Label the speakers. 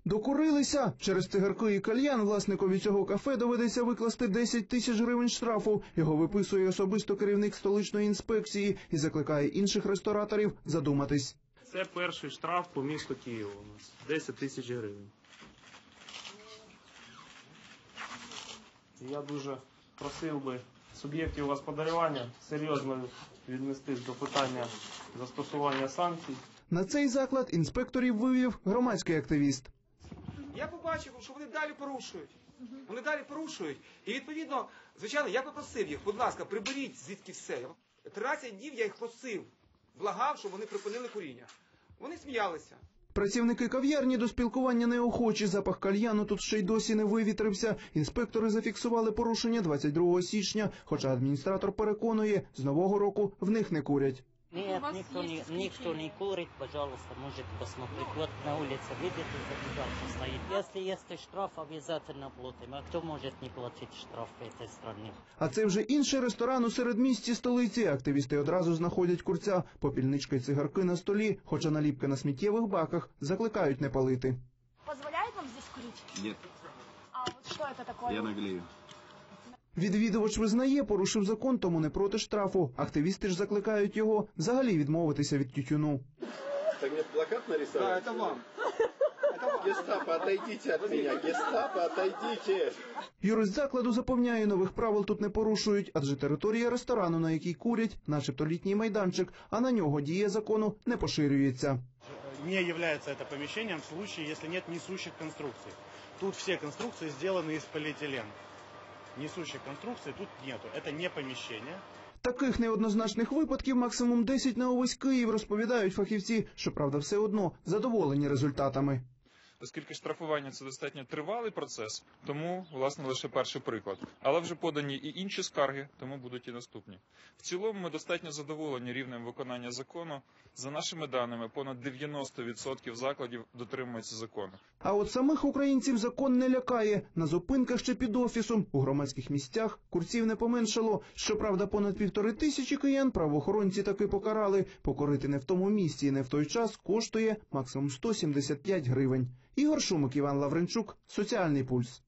Speaker 1: Докурилися? Через цигарки і кальян власникові цього кафе доведеться викласти 10 тисяч гривень штрафу. Його виписує особисто керівник столичної інспекції і закликає інших рестораторів задуматись.
Speaker 2: Це перший штраф по місту Києву у нас. 10 тисяч гривень. Я дуже просив би суб'єктів господарювання серйозно віднестись до питання застосування санкцій.
Speaker 1: На цей заклад інспекторів вивів громадський активіст.
Speaker 3: Я побачив, що вони далі порушують. Вони далі порушують. І відповідно, звичайно, я попросив їх, будь ласка, приберіть звідки все. 13 днів я їх просив, благав, щоб вони припинили куріння. Вони сміялися.
Speaker 1: Працівники кав'ярні до спілкування неохочі. Запах кальяну тут ще й досі не вивітрився. Інспектори зафіксували порушення 22 січня, хоча адміністратор переконує, з нового року в них не курять.
Speaker 4: Нет, никто не курит, пожалуйста, можете посмотреть. Вот на улице, видите, зажигалка стоит. Если есть штраф, обязательно платим. А кто может не платить штраф в этой стране?
Speaker 1: А це вже інший ресторан у середмісті столиці. Активісти одразу знаходять курця. Попільничка й цигарки на столі, хоча наліпки на сміттєвих баках закликають не палити.
Speaker 5: Позволяет вам здесь курить?
Speaker 6: Нет.
Speaker 5: А вот что это такое?
Speaker 6: Я наглею.
Speaker 1: Відвідувач визнає, порушив закон, тому не проти штрафу. Активісти ж закликають його взагалі відмовитися від тютюну.
Speaker 6: Так мне плакат нарисовали?
Speaker 3: Да, это вам.
Speaker 6: Гестапо, отойдите от меня! Гестапо, отойдите!
Speaker 1: Юрист закладу запевняє, нових правил тут не порушують, адже територія ресторану, на якій курять, начебто літній майданчик, а на нього дія закону не поширюється.
Speaker 7: Не является это помещением в случае, если нет несущих конструкций. Тут все конструкции сделаны из полиэтилена. Несущих конструкций тут нету. Это не помещение.
Speaker 1: Таких неоднозначних випадків максимум 10 на увесь Київ, розповідають фахівці. Щоправда, все одно задоволені результатами.
Speaker 8: Оскільки штрафування – це достатньо тривалий процес, тому, власне, лише перший приклад. Але вже подані і інші скарги, тому будуть і наступні. В цілому ми достатньо задоволені рівнем виконання закону. За нашими даними, понад 90% закладів дотримуються закону.
Speaker 1: А от самих українців закон не лякає. На зупинках чи під офісом, у громадських місцях курців не поменшало. Щоправда, понад 1500 киян правоохоронці таки покарали. Покорити не в тому місці і не в той час коштує максимум 175 гривень. Ігор Шумик, Іван Лавренчук, Соціальний пульс.